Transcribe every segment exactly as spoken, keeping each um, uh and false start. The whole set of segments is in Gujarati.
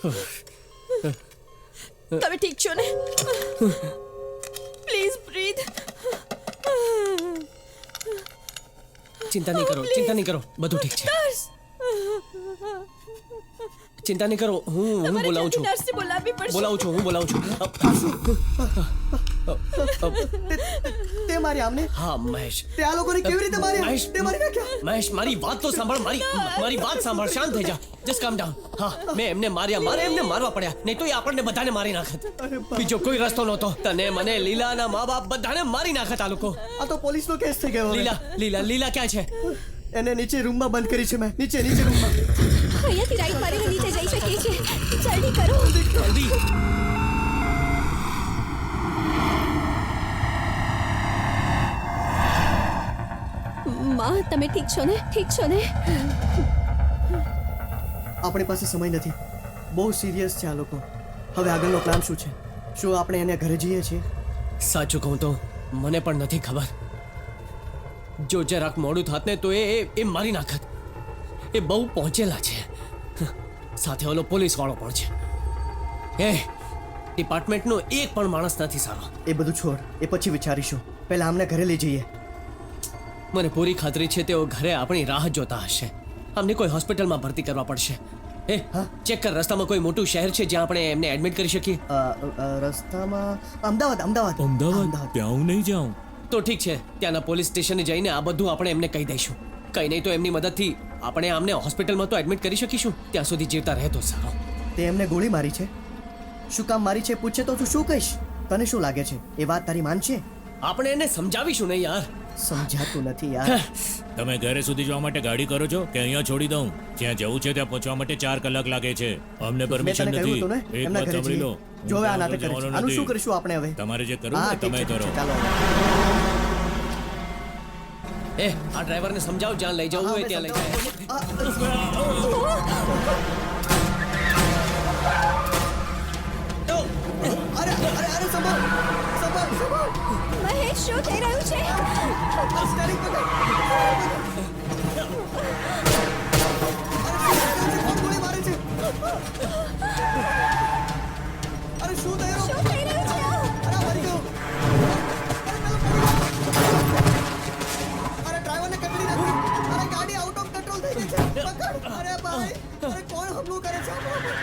તમે ઠીક છો ને? Please breathe. ચિંતા નહીં કરો, ચિંતા નહીં કરો, બધું ઠીક છે. ચિંતા નહીં કરો, હું હું બોલાવું છું. નર્સને બોલાવવી પડશે. બોલાવું છું, હું બોલાવું છું. તે મારી આમને? હા મહેશ. તે આ લોકોને કેવી રીતે માર્યા? મહેશ, તે મારી નાખ્યા? મહેશ, મારી વાત તો સાંભળ, મારી મારી વાત સાંભળ, શાંત થઈ જા. જસ્ટ કામ ડાઉન. હા, મેં એમને માર્યા, મારે એમને મારવા પડ્યા, નહીં તો એ આપણને બધાને મારી નાખત. બીજો કોઈ રસ્તો નહોતો. તને, મને, લીલાના મા બાપ બધાને મારી નાખત આ લોકો. આ તો પોલીસનો કેસ થઈ ગયો. લીલા, લીલા, લીલા ક્યાં છે? એને નીચે રૂમમાં બંધ કરી છે મેં. નીચે નીચે રૂમમાં. અહીંયાથી રાઈટ મારીને નીચે જઈ શકીએ છીએ. જલ્દી કરો. જલ્દી. માં, તમે ઠીક છો ને? ઠીક છો ને? આપણી પાસે સમય નથી. બહુ સિરિયસ છે આ લોકો. હવે આગળનો પ્લાન શું છે? શું આપણે એને ઘરે જઈએ છીએ? સાચું કહું તો મને પણ નથી ખબર. જો જરાક મોડું થાત ને તો એ એ- એ મારી નાખત. એ બહુ પહોંચેલા છે. સાથે ઓલો પોલીસ વાળો પણ છે. એ ડિપાર્ટમેન્ટનો એક પણ માણસ નથી સારો. એ બધું છોડ, એ પછી વિચારીશું. પહેલા આમને ઘરે લઈ જઈએ. મને પૂરી ખાતરી છે તેઓ ઘરે આપણી રાહ જોતા હશે. અમને કોઈ હોસ્પિટલમાં ભરતી કરવા પડશે. એ હા? ચેક કર, રસ્તામાં કોઈ મોટું શહેર છે જ્યાં આપણે એમને એડમિટ કરી શકીએ? અ, અ, રસ્તામાં અમદાવાદ અમદાવાદ અમદાવાદ ત્યાં હું નહીં જાઉં. તો ઠીક છે, ત્યાંના પોલીસ સ્ટેશને જઈને આ બધું આપણે એમને કહી દઈશું. કંઈ નહીં તો એમની મદદથી આપણે આમને હોસ્પિટલમાં તો એડમિટ કરી શકીશું. ત્યાં સુધી જીવતા રહે તો સારો. તે એમને ગોળી મારી છે. શું કામ મારી છે પૂછે તો તું શું કહીશ? તને શું લાગે છે એ વાત તારી માનશે? આપણે એને સમજાવીશું ને યાર. સમજાતું નથી યાર. તમે ઘરે સુધી જવા માટે ગાડી કરો છો કે અહીંયા છોડી દઉં? જ્યાં જવું છે ત્યાં પહોંચવા માટે ચાર કલાક લાગે છે. અમને મેં પરમિશન તને કહ્યું નથી. હતું ને એક એમના વાત ઘરે સાંભળી લો. જઈએ. જો હવે આ નાટક કરે છે. જવાનું આનું શું નથી. કરીશું આપણે હવે? તમારે જે કરવું હા, હોય ઠીક તમે છે, ઠીક કરો. છે, ચાલો. એ આ ડ્રાઈવરને સમજાવ, જ્યાં લઈ જવું હોય ત્યાં લઈ જાય. આ, અરે અરે અરે સંભાળ સંભાળ સંભાળ. મહેશ, શું થઈ રહ્યું છે? આ સ્ટેરિંગ પકડ. અરે કોણ ગોળી મારે છે? અરે શું થઈ રહ્યું? શું થઈ રહ્યું છે? અરે મરી ગયો. અરે ડ્રાઈવરને કચડી નાખ્યો. અરે ગાડી આઉટ ઓફ કંટ્રોલ થઈ ગઈ છે. પકડ. અરે ભાઈ, અરે કોણ હુમલો કરે છે આપણા પર?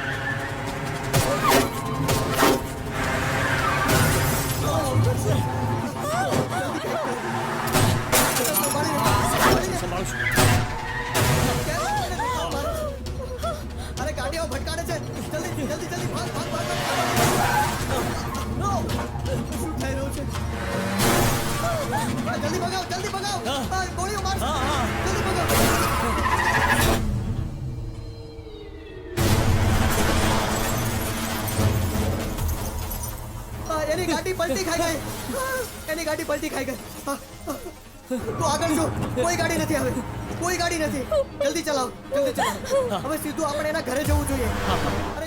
સંભાળું છું. અરે ગાડીઓ ભટકાડે છે. જલ્દી જલ્દી જલ્દી ભાગ ભાગ ભાગ ભાગ. નો! શું થઈ રહ્યું છે? જલ્દી ભગાવ જલ્દી ભગાવ. આ ગોળીઓ મારશે. હા, હા. જલ્દી ભગાવ. આ એની ગાડી પલટી ખાઈ ગઈ. એની ગાડી પલટી ખાઈ ગઈ. હા, હા. તું આગળ જો. કોઈ ગાડી નથી હવે. કોઈ ગાડી નથી. જલ્દી ચલાવ જલ્દી ચલાવ. હવે સીધું આપણે એના ઘરે જવું જોઈએ.